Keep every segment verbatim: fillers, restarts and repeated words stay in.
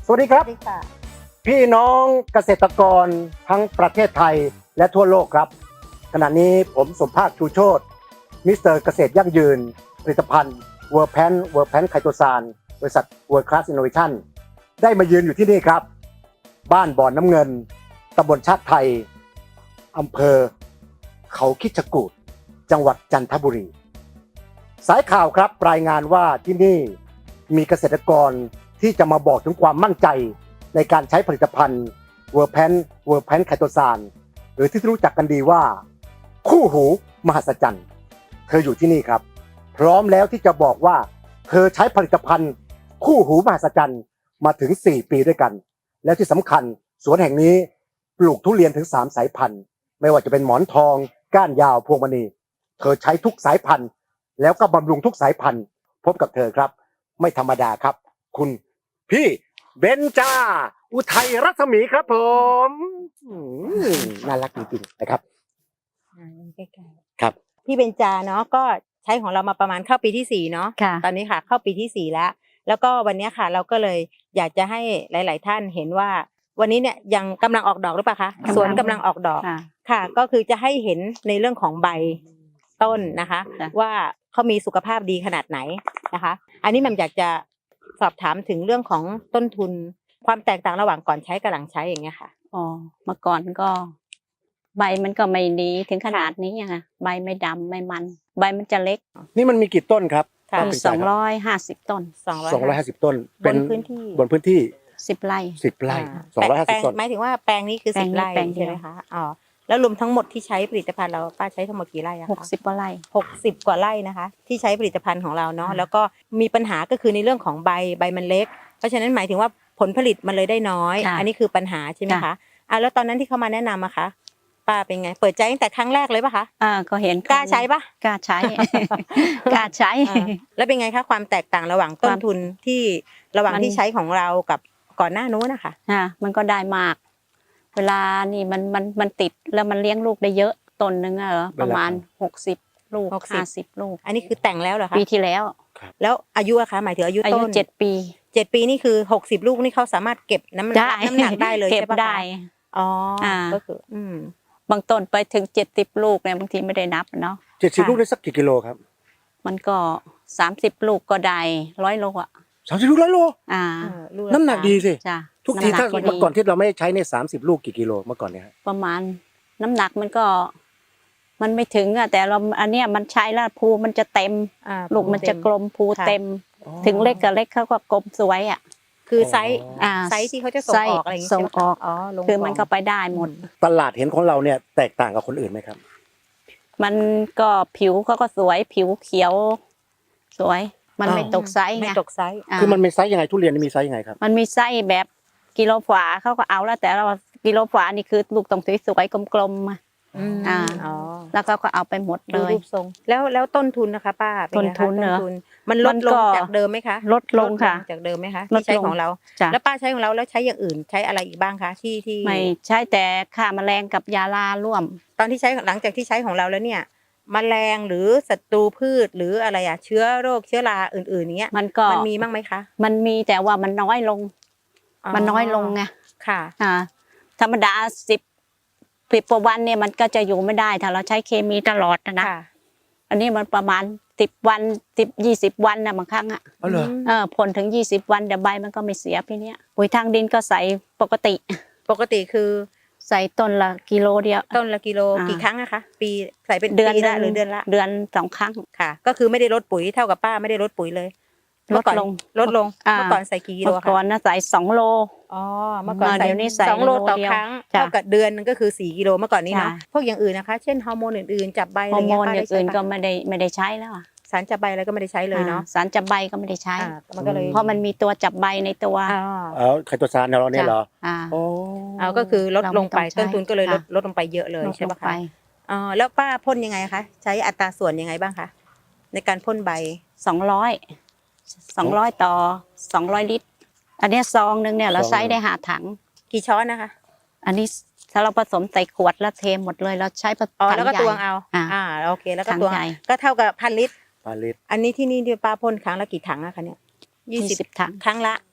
สวัสดีครับพี่น้องเกษตรกรทั้งประเทศไทยและทั่วโลกครับขณะนี้ผมสมภาคชูโชติมิสเตอร์เกษตรยั่งยืนผลิตภัณฑ์เวอร์แพนเวอร์แพนไคโตซานบริษัทเวิร์คลาสอินโนเวชั่นได้มายืนอยู่ที่นี่ครับบ้านบ่อนน้ำเงินตำบลชาติไทยอำเภอเขาคิดจกูฏจังหวัดจันทบุรีสายข่าวครับรายงานว่าที่นี่มีเกษตรกรที่จะมาบอกถึงความมั่นใจในการใช้ผลิตภัณฑ์เวอร์แพนเวอร์แพนไคโตซานหรือที่รู้จักกันดีว่าคู่หูมหัศจรรย์เธออยู่ที่นี่ครับพร้อมแล้วที่จะบอกว่าเธอใช้ผลิตภัณฑ์คู่หูมหัศจรรย์มาถึงสี่ปีด้วยกันแล้วที่สำคัญสวนแห่งนี้ปลูกทุเรียนถึงสามสายพันธุ์ไม่ว่าจะเป็นหมอนทองก้านยาวพวงมณีเธอใช้ทุกสายพันธุ์แล้วก็บำรุงทุกสายพันธุ์พบกับเธอครับไม่ธรรมดาครับคุณพี่เบนจาอุทัยรัศมีครับผมน่ารักจริงๆนะครับใกล้ๆครับพี่เบนจาเนาะก็ใช้ของเรามาประมาณเข้าปีที่สี่เนาะตอนนี้ค่ะเข้าปีที่สี่แล้วแล้วก็วันนี้ค่ะเราก็เลยอยากจะให้หลาย ๆ ท่านเห็นว่าวันนี้เนี่ยยังกำลังออกดอกหรือเปล่าคะสวนกำลังออกดอกค่ะก็คือจะให้เห็นในเรื่องของใบต้นนะคะว่าเขามีสุขภาพดีขนาดไหนนะคะอันนี้แม่อยากจะสอบถามถึงเรื่องของต้นทุนความแตกต่างระหว่างก่อนใช้กับหลังใช้อย่างเงี้ยค่ะอ๋อเมื่อก่อนก็ใบมันก็ไม่ดีถึงขนาดนี้อ่ะใบไม่ดำไม่มันใบมันจะเล็กนี่มันมีกี่ต้นครับมีสองร้อยห้าสิบต้นสองร้อยห้าสิบต้นเป็นพื้นที่บนพื้นที่สิบไร่สิบไร่สองร้อยห้าสิบต้นหมายถึงว่าแปลงนี้คือสิบไร่ใช่ไหมคะอ๋อแล้วรวมทั้งหมดที่ใช้ผลิตภัณฑ์เราป้าใช้ทั้งหมดกี่ไร่อะคะหกสิบกว่าไร่หกสิบกว่าไร่นะคะที่ใช้ผลิตภัณฑ์ของเราเนาะแล้วก็มีปัญหาก็คือในเรื่องของใบใบมันเล็กเพราะฉะนั้นหมายถึงว่าผลผลิตมันเลยได้น้อยอันนี้คือปัญหาใช่ไหมคะอ่ะแล้วตอนนั้นที่เขามาแนะนำอะคะป้าเป็นไงเปิดใจตั้งแต่ครั้งแรกเลยป่ะคะอ่าก็เห็นกล้าใช้ป่ะกล้าใช้กล้าใช้แล้วเป็นไงคะความแตกต่างระหว่างต้นทุนที่ระหว่างที่ใช้ของเรากับก่อนหน้านู้นนะคะอ่ามันก็ได้มากเวลานี่มันมันมันติดแล้วมันเลี้ยงลูกได้เยอะต้นนึงอะเหรอประมาณหกสิบลูกห้าสิบลูกอันนี้คือแต่งแล้วเหรอคะปีที่แล้วแล้วอายุอะคะหมายถึงอายุต้นอายุเจ็ดปีเจ็ดปีนี่คือหกสิบลูกนี่เขาสามารถเก็บน้ำหนักน้ำหนักได้เลยใช่ปะได้อ๋อก็คืออืมบางต้นไปถึงเจ็ดสิบลูกเนี่ยบางทีไม่ได้นับเนาะเจ็ดสิบลูกได้สักกี่กิโลครับมันก็สามสิบลูกก็ได้ร้อยโลอ่ะสามสิบลูกร้อยโลอ่าน้ำหนักดีสิจ้ะทุกทีถ้าเมื่อก่อนที่เราไม่ใช้ในสามสิบลูกกี่กิโลเมื่อก่อนเนี่ยประมาณน้ำหนักมันก็มันไม่ถึงอ่ะแต่เราอันเนี้ยมันใช้แล้วภูมันจะเต็มลูกมันจะกลมภูเต็มถึงเล็กกับเล็กเขาก็กลมสวยอ่ะคือไซส์ไซส์ที่เขาจะส่งออกอะไรอย่างเงี้ยส่งออกอ๋อคือมันก็ไปได้หมดตลาดเห็นของเราเนี่ยแตกต่างกับคนอื่นไหมครับมันก็ผิวเขาก็สวยผิวเขียวสวยมันไม่ตกไซส์ไงไม่ตกไซส์คือมันมีไซส์ยังไงทุเรียนมีไซส์ยังไงครับมันมีไซส์แบบกิโลฝาเขาก็เอาแล้วแต่เรากิโลฝานี่คือลูกต้องสวยๆกลมๆอ่าแล้วก็ก็เอาไปหมดเลยรูปทรงแล้วแล้วต้นทุนนะคะป้าต้นทุนเนอะมันลดลงจากเดิมไหมคะลดลงค่ะจากเดิมไหมคะที่ใช้ของเราแล้วป้าใช้ของเราแล้วใช้อย่างอื่นใช้อะไรอีกบ้างคะที่ที่ไม่ใช้แต่ฆ่าแมลงกับยาลาร่วมตอนที่ใช้หลังจากที่ใช้ของเราแล้วเนี่ยแมลงหรือศัตรูพืชหรืออะไรอะเชื้อโรคเชื้อราอื่นๆเนี้ยมันก็มันมีบ้างไหมคะมันมีแต่ว่ามันน้อยลงมันน้อยลงไงค่ะอ่าธรรมดาสิบสิบกว่าวันเนี่ยมันก็จะอยู่ไม่ได้ถ้าเราใช้เคมีตลอดนะอันนี้มันประมาณสิบวันสิบยี่สิบวันนะบางครั้งอ่ะอ๋อเหรอเออผลถึงยี่สิบวันเดี๋ยวใบมันก็ไม่เสียพี่เนี้ยปุ๋ยทางดินก็ใส่ปกติปกติคือใส่ต้นละกิโลเดียวต้นละกิโลกี่ครั้งอะคะปีใส่เป็นเดือนละหรือเดือนละเดือนสองครั้งค่ะก็คือไม่ได้ลดปุ๋ยเท่ากับป้าไม่ได้ลดปุ๋ยเลยลดลงลดลงเมื่อก่อนใส่กี่กิโลคะเมื่อก่อนนะใส่สองโลอ๋อเมื่อก่อนใส่สองโลต่อครั้งเท่ากับเดือนนึงก็คือสี่กิโลเมื่อก่อนนี้เนาะพวกอย่างอื่นนะคะเช่นฮอร์โมนอื่นๆจับใบอะไรเงี้ยฮอร์โมนอย่างอื่นก็ไม่ได้ไม่ได้ใช้แล้วสารจับใบอะไรก็ไม่ได้ใช้เลยเนาะสารจับใบก็ไม่ได้ใช้มันก็เลยเพราะมันมีตัวจับใบในตัวอ๋อไคโตซานเราเนี่ยเหรออ๋อเอาก็คือลดลงไปต้นทุนก็เลยลดลดลงไปเยอะเลยใช่ไหมคะอ๋อแล้วป้าพ่นยังไงคะใช้อัตราส่วนยังไงบ้างคะในการพ่นใบสองร้อยสองร้อยต่อสองร้อยลิตรอันนี้ซองนึงเนี่ยเราใช้ได้ห้าถังกี่ช้อนนะคะอันนี้ถ้าเราผสมใส่ขวดแล้วเทหมดเลยเราใช้ถังใหญ่แล้วก็ตวงเอาอ่าโอเคแล้วก็ตวงก็เท่ากับพันลิตรพันลิตรอันนี้ที่นี่ที่ป้าพ่นครั้งละกี่ถังอะคะเนี่ยยี่สิบถังครั้งละ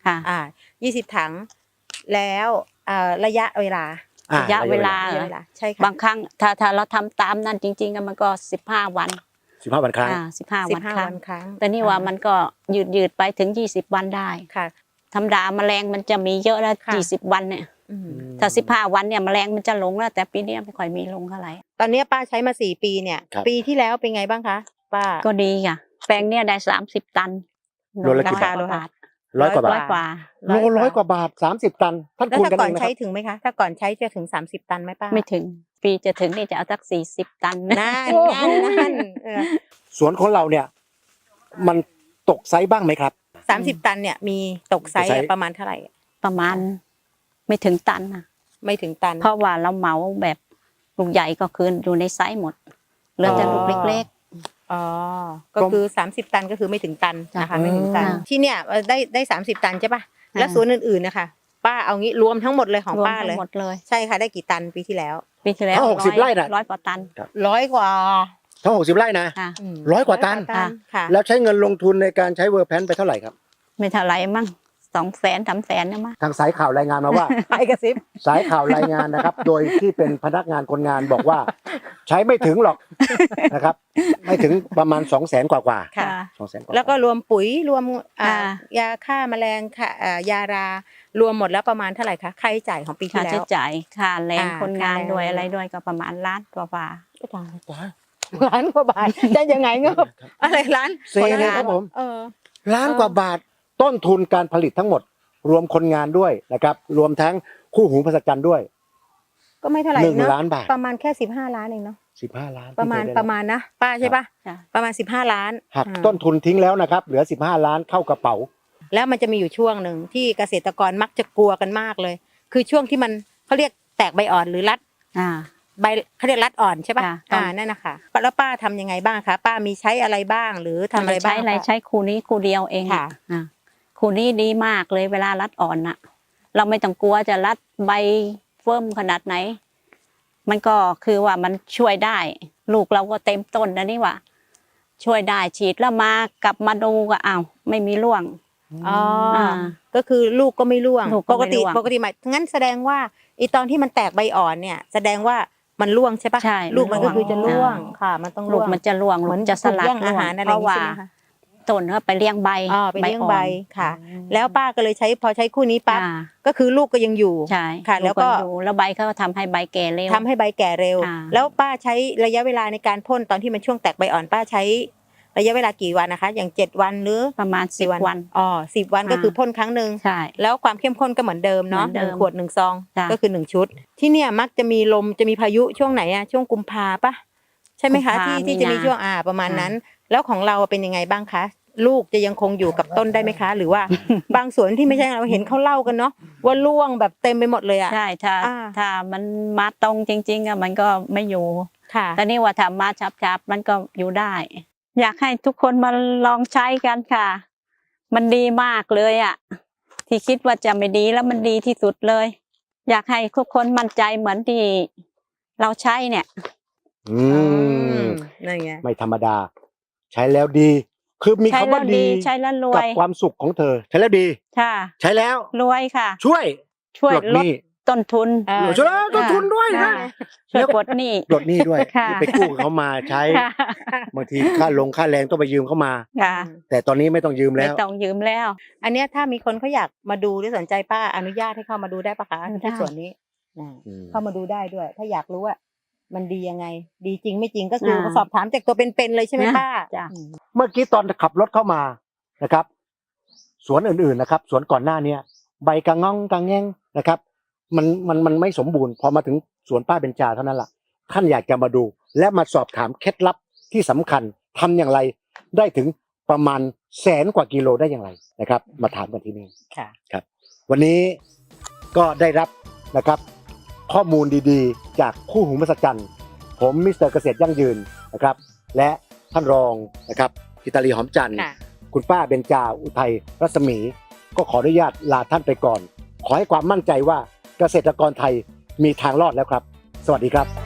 ค่ะอ่ายี่สิบถังแล้วเอ่อระยะเวลาอ่ระยะเวลาระยะเวลาใช่ค่ะบางครั้งถ้าถ้าเราทำตามนั่นจริงๆมันก็สิบห้าวันสิบห้าวันครั้งอ่าสิบห้าสิวันบห้าครั้วังนครั้งแต่นี่ว่ามันก็ยืดยืดไปถึงยี่สิบวันได้ค่ะธรรมดาแมลงมันจะมีเยอะแล้วค่ะยี่สิบวันเนี่ยอืมถ้าสิบห้าวันเนี่ยแมลงมันจะลงแล้วแต่ปีนี้ไม่ค่อยมีลงเท่าไหร่ตอนนี้ป้าใช้มาสี่ปีเนี่ยครับปีที่แล้วเป็นไงบ้างคะป้าก็ดีค่ะแปลงเนี่ยได้สามสิบตันโลละกี่บาทร้อยกว่าบาทร้อยกว่าร้บาอยทกว่าโลร้อยกว่าบาทสามสิบตันท่านแล้วคูณถ้ากันก่อเอน งนะคใช้รับถึงไหมคะถ้าก่อนใช้จะถึงสามสิบตันไหมป้าไม่ถึงปีจะถึงนี่จะเอาสักสี่สิบตันนั่นนั่นนั่นเออสวนของเราเนี่ยมันตกไซส์บ้างไหมครับสามสิบตันเนี่ยมีตกไซส์ตกไซส์อะประมาณเท่าไหร่ประมาณไม่ถึงตันนะไม่ถึงตันเพราะว่าเราเหมาแบบลูกใหญ่ก็คืออยู่ในไซส์หมดเหลือแต่ลูกเล็กอ๋อก็คือสามสิบตันก็คือไม่ถึงตันนะคะไม่ถึงตันจ้ะที่เนี่ยได้ได้สามสิบตันใช่ป่ะอ่าแล้วสวนอื่นๆนะคะป้าเอางี้รวมทั้งหมดเลยของๆรวมป้าทั้เลยงหมดเลยใช่ค่ะได้กี่ตันปีที่แล้วปีที่แล้วถ้าหกสิบไร่น่ะร้อยกว่าตันร้อยกว่าทั้งหกสิบไร่นะค่ะมร้อยกว่าตันค่ะแล้วใช้เงินลงทุนในการใช้เวอร์แพนไปเท่าไหร่ครับไม่เท่าไหรมั่งสองแสนสามแสนนะมั้งทางสายข่าวรายงานมาว่าไปกระซิบสายข่าวรายงานนะครับ โดยที่เป็นพนักงานคนงานบอกว่า ใช้ไม่ถึงหรอกนะครับ ไม่ถึงประมาณสองแสนกว่ากว่าค่ะสองแสนกว่าแล้วก็รวมปุ๋ยรวมอ่าอ่ายาฆ่าแมลงค่ะอ่ายารารวมหมดแล้วประมาณเท่าไหร่คะค่าใช้จ่ายของปีที่ค่าแล้ใช้วจ่ายค่าแรงอ่าคนงานค่าแรงด้วยอะไรด้วยก็ประมาณล้านกว่าบาทล้านกว่าบาทจะยังไงเงบอะไรล้านเซเลยครับผมเออล้านกว่าบาทต้นทุนการผลิตทั้งหมด รวมคนงานด้วยนะครับ รวมทั้งคู่หูภาษาจันทร์ด้วยก็ไม่เท่าไหร่หนึ่งเนอะล้านบาทประมาณแค่สิบห้าล้านเองเนาะสิบห้าล้านประมาณที่เคยได้ประมาณนะป้าใช่ปะจ้ะประมาณสิบห้าล้านหักอ่าต้นทุนทิ้งแล้วนะครับ เหลือสิบห้าล้านเข้ากระเป๋าแล้วมันจะมีอยู่ช่วงหนึ่งที่เกษตรกรมักจะกลัวกันมากเลย คือช่วงที่มันเขาเรียกแตกใบอ่อนหรือรัดอ่าใบเขาเรียกรัดอ่อนใช่ปะค่ะอ่านั่นนะคะแล้วป้าทำยังไงบ้างคะป้ามีใช้อะไรบ้างหรือทำอะไรบ้างใช้อะไรคะใช้คูนี้คูเดียวเองค่ะอ่าคูนี้ดีมากเลยเวลารัดอ่อนน่ะ เราไม่ต้องกลัวจะรัดใบเฟิ่มขนาดไหน มันก็คือว่ามันช่วยได้ ลูกเราก็เต็มต้นนะนี่ว่า ช่วยได้ฉีดแล้วมากลับมาดูก็อ้าวไม่มีร่วงอ๋อออ่าก็คือลูกก็ไม่ร่วงลูกก็ปกไม่ติร่วงปกติหมายงั้นแสดงว่าไอตอนที่มันแตกใบอ่อนเนี่ย แสดงว่ามันร่วงใช่ปะใช่ลูกมันก็คือจะร่วงอ่าค่ะ มันต้องลูร่กวงมันจะร่วงเหมือนลูกจะสลัดถูกแย่งอาร่วงหารอะไรเพอย่างราะงี้ว่าใช่ไหมคะต้นก็ไปเลี้ยงใบอ๋อไปเลี้ยงใบอ่อนค่ะ แล้วป้าก็เลยใช้พอใช้คู่นี้ปั๊บอ่าก็คือลูกก็ยังอยู่ใช่ค่ะแล้วก็ลูอยู่แล้วใบเขาก็ทำให้ใบแก่เร็วทำให้ใบแก่เร็วอ่าแล้วป้าใช้ระยะเวลาในการพ่นตอนที่มันช่วงแตกใบอ่อน ป้าใช้ระยะเวลากี่วันนะคะ อย่างเจ็ดวันหรือประมาณสิบวันอ๋อสิบวันก็อ่าคือพ่นครั้งหนึ่งใช่แล้วความเข้มข้นก็เหมือนเดิมเนาะเหมือนหเดินึ่มงขวดหนึ่งซองจ้ะก็คือหนึ่งชุด ที่เนี่ยมักจะมีลมจะมีพายุช่วงไหนอะช่วงกุมภาปะใช่ไหมคะกุมภาที่ที่จะมีมีนาช่วงอ่าประมาณอ่านั้น แล้วของเราเป็นยังไงบ้างคะ ลูกจะยังคงอยู่กับต้นได้ไหมคะ หรือว่า บางสวนที่ไม่ใช่เราเห็นเขาเล่ากันเนาะว่าร่วงแบบเต็มไปหมดเลยอะใช่ถ้าอ่าถ้ามันมาตรงจริงๆอะมันก็ไม่อยู่ค่ะแต่นี่ว่าถ้ามาชับๆมันก็อยู่ได้ อยากให้ทุกคนมาลองใช้กันค่ะ มันดีมากเลยอ่ะ ที่คิดว่าจะไม่ดีแล้วมันดีที่สุดเลย อยากให้ทุกคนมั่นใจเหมือนที่เราใช้เนี่ยอืมนั่นไงไม่ธรรมดา ใช้แล้วดี คือมีใช้คำแล้ว่าว ดีดีใช้แล้วรวกับยความสุขของเธอ ใช้แล้วดีค่ะใช้แล้วรวยค่ะช่วยช่วยปลดลหดนี้ต้นทุนเออช่วยลดต้นทุนด้วยนะค่ะช่วยปลดหนี้ปลดหนี้ด้วยค่ะที่ไปกู้เขามาใช้ค่ะบางทีค่าลงค่าแรงต้องไปยืมเขามาค่ะแต่ตอนนี้ไม่ต้องยืมไม่แล้วต้องยืมแล้วอันเนี้ยถ้ามีคนเขาอยากมาดูหรือสนใจป้าอนุญาตให้เข้ามาดูได้ปะคะได้ที่สวนนี้อ่าอืมเข้ามาดูได้ด้วย ถ้าอยากรู้ว่ามันดียังไง ดีจริงไม่จริงก็คืออ่าสอบถามจากตัวเป็นๆเลยใช่ไหมนะป้าจ้ะอืมเมื่อกี้ตอนขับรถเข้ามานะครับ สวนอื่นๆนะครับ สวนก่อนหน้าเนี้ยใบกระง่องกระแง่งนะครับ มันมันมันไม่สมบูรณ์พอมาถึงสวนป้าเบญจาเท่านั้นล่ะท่านอยากจะมาดู และมาสอบถามเคล็ดลับที่สำคัญทำอย่างไรได้ถึงประมาณแสนกว่ากิโลได้อย่างไรนะครับ มาถามกันที่นี่ค่ะครับวันนี้ก็ได้รับนะครับข้อมูลดีๆ จากคู่หูมหัศจรรย์ผมมิสเตอร์เกษตรยั่งยืนนะครับ และท่านรองนะครับกิตาลีหอมจันทร์ค่ะคุณป้าเบญจาอุทัยรัศมี ก็ขออนุญาตลาท่านไปก่อน ขอให้ความมั่นใจว่าเกษตรกรไทยมีทางรอดแล้วครับ สวัสดีครับ